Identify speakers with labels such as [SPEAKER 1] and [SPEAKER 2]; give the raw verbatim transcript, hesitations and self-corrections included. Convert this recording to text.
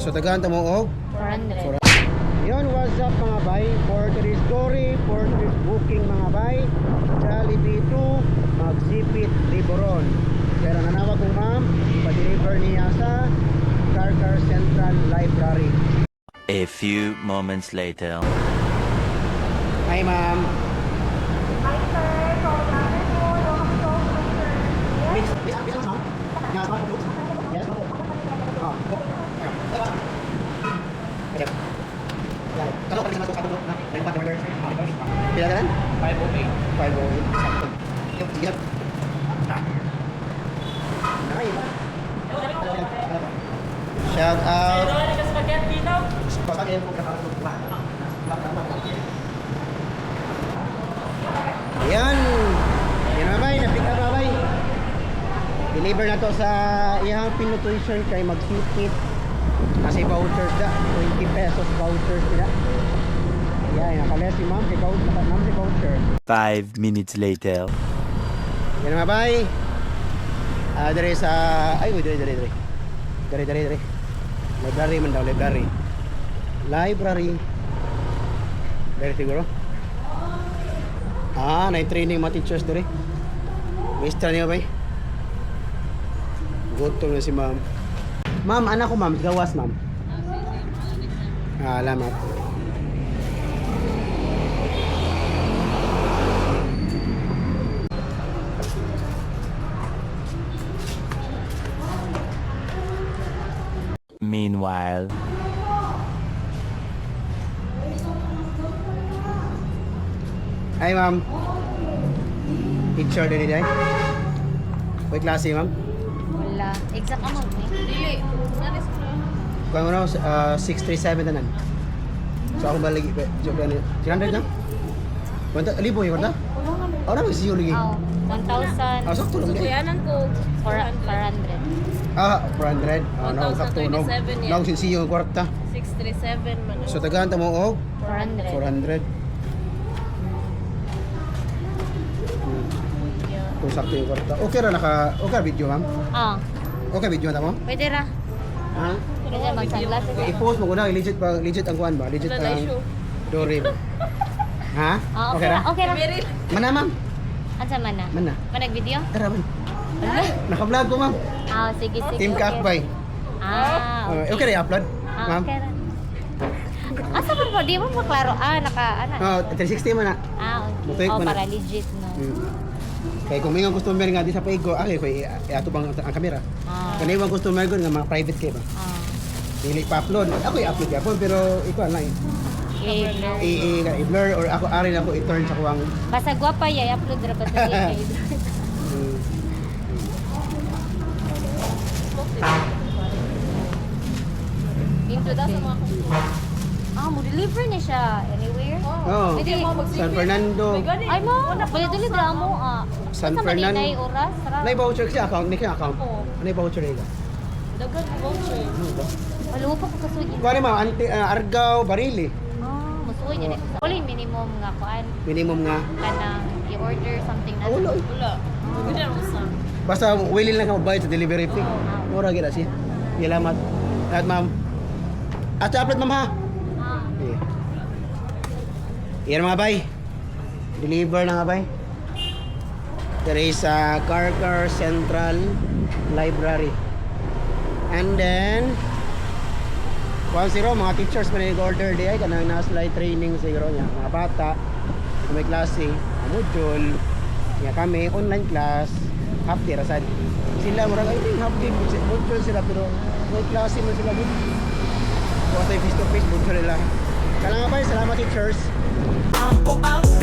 [SPEAKER 1] So tagahan ta mo og
[SPEAKER 2] four hundred.
[SPEAKER 1] Yon, what's up mga bay? For today's story, for today's booking mga bay, Jollibee to Magsipit, Liboron. Pero nanawag kong ma'am, pa-deliver niya sa Carcar Central Library.
[SPEAKER 3] A few moments later.
[SPEAKER 1] Hi ma'am.
[SPEAKER 2] Hi sir, so namin po, welcome to sir.
[SPEAKER 1] Miss, miss, miss, ma'am. Yes, ma'am. Yes, ma'am. Oh. Ayan. Kalau kami sama satu na, dari empat order. Pila ka lang? five oh eight. five oh eight. Sakto. Yung sige lang. Nakay ba? Shout out.
[SPEAKER 2] Spaghetti daw.
[SPEAKER 1] Spaghetti po kapag tuwa. Ayan. Yan babay, na-pick up babay. Deliver na to sa iyang pinutuition kay Magsipit. Kasi vouchers da, twenty pesos vouchers nila. Yan, nakalas si ma'am, si voucher, ma'am si voucher.
[SPEAKER 3] Five minutes later.
[SPEAKER 1] Yan mga bay. Ah, dari sa, ay, uy, dari, dari, dari. Dari, dari, dari. Library man daw, library. Library. Dari siguro. Ah, na-training mga teachers dari. Mister niya bay. Gutom na si ma'am. Ma'am, anak ko ma'am, gawas ma'am. Ah, alamat.
[SPEAKER 3] Meanwhile.
[SPEAKER 1] Hi ma'am. Teacher din day. May klase ma'am?
[SPEAKER 2] Wala. Exact amount ni. Dili.
[SPEAKER 1] Kung ano, uh, six three seven na nan. So ako balik, joke lang. three hundred na? Wanta, libo yung kanta? Oh, na, siyo lagi.
[SPEAKER 2] Oh, one thousand.
[SPEAKER 1] Ah, sakto lang din.
[SPEAKER 4] Kuyanan ko
[SPEAKER 2] four hundred.
[SPEAKER 1] Ah, four hundred. Ah, no, sakto. No,
[SPEAKER 4] one thousand twenty-seven yan.
[SPEAKER 1] no, siyo yung kwarta.
[SPEAKER 4] six thirty-seven man.
[SPEAKER 1] So tagahan ta mo og
[SPEAKER 2] four hundred.
[SPEAKER 1] four hundred. Kung sakto yung kwarta. Okay ra naka, okay video ma'am?
[SPEAKER 2] Ah,
[SPEAKER 1] Okay video na mo?
[SPEAKER 2] pwede ra.
[SPEAKER 1] Ha?
[SPEAKER 2] Pwede ra mag-sunglasses.
[SPEAKER 1] Okay, i-post mo ko na, legit pa, legit ang kuan ba? Legit
[SPEAKER 4] Wala na
[SPEAKER 1] ang
[SPEAKER 4] issue.
[SPEAKER 1] Dore ba? Ha?
[SPEAKER 2] Ah,
[SPEAKER 1] Okay
[SPEAKER 2] okay
[SPEAKER 1] ra?
[SPEAKER 2] ra. Okay ra.
[SPEAKER 4] Meryl.
[SPEAKER 1] Mana ma'am?
[SPEAKER 2] Ansa man na?
[SPEAKER 1] Mana?
[SPEAKER 2] Manag video?
[SPEAKER 1] Tara man.
[SPEAKER 2] Ano?
[SPEAKER 1] Naka-vlog ko ma'am.
[SPEAKER 2] Ah, sige sige.
[SPEAKER 1] Team
[SPEAKER 2] okay.
[SPEAKER 1] Kakbay.
[SPEAKER 2] Ah,
[SPEAKER 1] Uh, okay na i-upload?
[SPEAKER 2] Ah,
[SPEAKER 1] Ma'am?
[SPEAKER 2] okay ra. Asa man po? Di mo maklaro. Ah, naka, ano?
[SPEAKER 1] Oh, three sixty man na.
[SPEAKER 2] Ah, okay.
[SPEAKER 1] Mutuig
[SPEAKER 2] Oh,
[SPEAKER 1] mo na.
[SPEAKER 2] para legit, no?
[SPEAKER 1] Hmm. Kaya kung may mga customer nga di sa paigo, okay, kaya i-ato bang ang kamera.
[SPEAKER 2] Ah,
[SPEAKER 1] Kung may mga customer ko nga mga private kayo ba?
[SPEAKER 2] ah.
[SPEAKER 1] Dili pa-upload. Ako i-upload yapon pero ikaw lang eh.
[SPEAKER 2] Okay, no.
[SPEAKER 1] I- i- i-blur or ako ari na ko i-turn sa kuwang
[SPEAKER 2] Basta guwapa ya, i-upload ra ba sa YouTube?
[SPEAKER 1] hmm.
[SPEAKER 2] Into da sa mga Ah, mo deliver niya siya anywhere.
[SPEAKER 1] Oh,
[SPEAKER 2] Pwede.
[SPEAKER 1] San Fernando.
[SPEAKER 2] Ay mo, pwede deliver mo ah.
[SPEAKER 1] San
[SPEAKER 2] Sa
[SPEAKER 1] Fernando.
[SPEAKER 2] Manila yung oras, ra.
[SPEAKER 1] Nay voucher siya account, ni kaya account.
[SPEAKER 4] Oo.
[SPEAKER 1] Nay voucher nila.
[SPEAKER 4] Dagan voucher.
[SPEAKER 1] Ano ba?
[SPEAKER 2] Walo pa ko kasugi.
[SPEAKER 1] Kuha ni ma'am, anti uh, Argao, Barili.
[SPEAKER 2] Ah, musuoy niya. Wala yung minimum nga kuan
[SPEAKER 1] Minimum nga.
[SPEAKER 2] kanang i-order something na.
[SPEAKER 1] Ah, wala eh.
[SPEAKER 4] Wala. Ganda mo sa.
[SPEAKER 1] Basta willing lang ka magbayad sa delivery fee. Mura gina siya. Salamat. Lahat ma'am. At sa upload ma'am ha.
[SPEAKER 2] Ah.
[SPEAKER 1] Yeah. Yan mga bay. Deliver na nga bay. There is a Carcar Central Library. And then one zero mga teachers pa nag-order di ay kanang na-slide training siguro niya. Mga bata na may klase, mga module. Nga kami online class half day rasad. Sila murag ay half day module sila pero may klase man sila dito. Kung tayo face to face module nila. Kailangan ba salamat teachers.
[SPEAKER 5] Ako ang